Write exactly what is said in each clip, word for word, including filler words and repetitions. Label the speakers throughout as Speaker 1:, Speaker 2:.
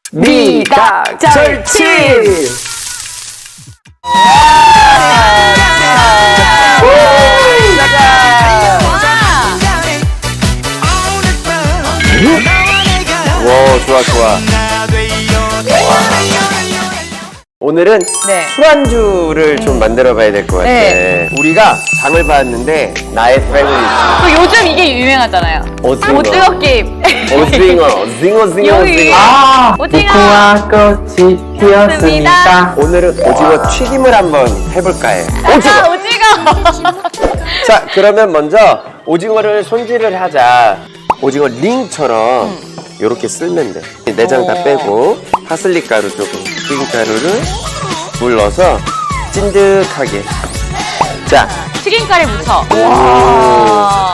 Speaker 1: 미각 절친! 와, 좋아, 좋아. 오늘은
Speaker 2: 네.
Speaker 1: 술안주를 좀 만들어 봐야 될 것 같아.
Speaker 2: 네.
Speaker 1: 우리가 장을 봤는데 나의 패밀리.
Speaker 2: 또 요즘 이게 유행하잖아요.
Speaker 1: 오징어.
Speaker 2: 오징어 게임.
Speaker 1: 오징어, 오징어, 오징어,
Speaker 2: 여기.
Speaker 1: 오징어.
Speaker 3: 아,
Speaker 2: 오징어.
Speaker 3: 무궁화 꽃이 피었습니다.
Speaker 1: 오늘은 오징어 튀김을 한번 해볼까 해.
Speaker 2: 아,
Speaker 1: 오징어!
Speaker 2: 오징어.
Speaker 1: 자, 그러면 먼저 오징어를 손질을 하자. 오징어 링처럼 이렇게 쓸면 돼. 내장 다 빼고 파슬리 가루 조금, 튀김가루를 물 넣어서 찐득하게. 자,
Speaker 2: 튀김가루에 묻혀.
Speaker 1: 오.
Speaker 2: 와.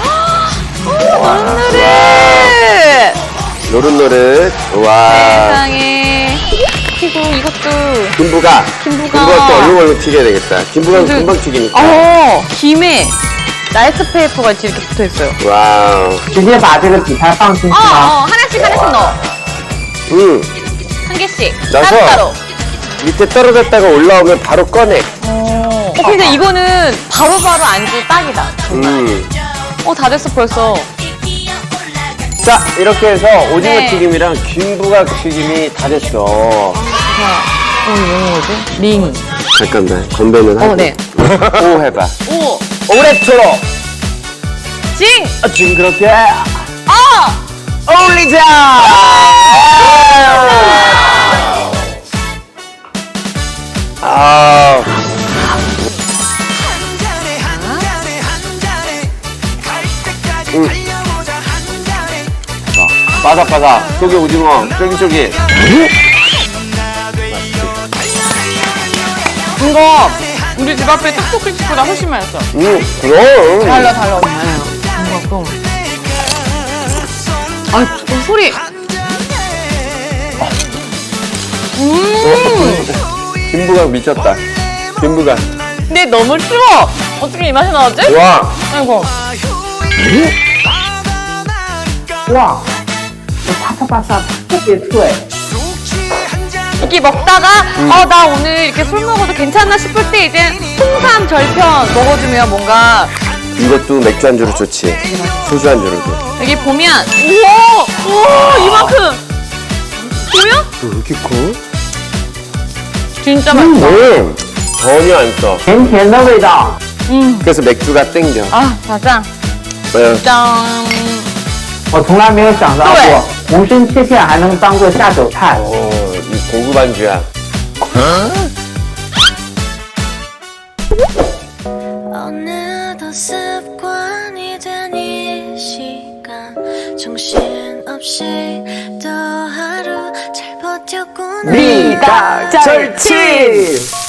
Speaker 2: 노릇노릇.
Speaker 1: 노릇노릇. 와.
Speaker 2: 세상에. 그리고 이것도.
Speaker 1: 김부가.
Speaker 2: 김부가.
Speaker 1: 김부가 또 얼룩얼룩 튀겨야 되겠다. 김부가
Speaker 2: 근데-
Speaker 1: 금방 튀기니까.
Speaker 2: 어, 김에 라이스 페이퍼가 이렇게 붙어 있어요.
Speaker 1: 와우.
Speaker 3: 直接把这个底菜放进
Speaker 2: 어,
Speaker 3: 去吗？
Speaker 2: 어, 하나씩 하나씩 넣어.
Speaker 1: 응.
Speaker 2: 한 개씩.
Speaker 1: 넣어서
Speaker 2: 따로따로.
Speaker 1: 밑에 떨어졌다가 올라오면 바로 꺼내.
Speaker 2: 어, 근데 이거는 바로바로 안주 딱이다.
Speaker 1: 음.
Speaker 2: 어, 다 됐어, 벌써.
Speaker 1: 자, 이렇게 해서 오징어
Speaker 2: 네.
Speaker 1: 튀김이랑 김부각 튀김이 다 됐어.
Speaker 2: 어, 이거 뭐지? 링.
Speaker 1: 잠깐만, 건배는 하고.
Speaker 2: 어, 네.
Speaker 1: 오 해봐.
Speaker 2: 오,
Speaker 1: 오레토로.
Speaker 2: 징!
Speaker 1: 아, 징그럽게.
Speaker 2: 어!
Speaker 1: 올리자. 아. 음. 바삭바삭. 속에 오징어. 쫄깃쫄깃.
Speaker 2: 이거 우리 집 앞에 떡볶이집보다 훨씬 맛있어.
Speaker 1: 음, 그럼.
Speaker 2: 달라, 달라. 뭔가 좀. 아, 그 소리. 음!
Speaker 1: 김부각 미쳤다. 김부각.
Speaker 2: 근데 너무 추워. 어떻게 이 맛이 나왔지?
Speaker 1: 와.
Speaker 2: 아이고.
Speaker 3: 哇，啪嚓啪嚓，特别脆。
Speaker 2: 이렇게 먹다가 어, 나 오늘 이렇게 술 먹어도 괜찮나 싶을 때 이제 홍삼 절편 먹어주면 뭔가
Speaker 1: 이것도 맥주 안주로 좋지. 소주 안주로도.
Speaker 2: 여기 보면 우와! 우와! 이만큼! 보면?
Speaker 1: 왜 이렇게 커?
Speaker 2: 진짜 맛있어.
Speaker 1: 음, 전혀 안 써.
Speaker 3: 甜甜的味道。
Speaker 2: 음.
Speaker 1: 그래서 맥주가 땡겨.
Speaker 2: 아, 맞아.
Speaker 1: 네.
Speaker 2: 짠.
Speaker 3: 我从来没有想到过，无声切片还能当做下酒菜。
Speaker 1: 어, 이 고급 안주야.
Speaker 4: 어느덧 습관이 된 이 시간 정신없이 또 하루 잘 버텼구나
Speaker 1: 미각 절친!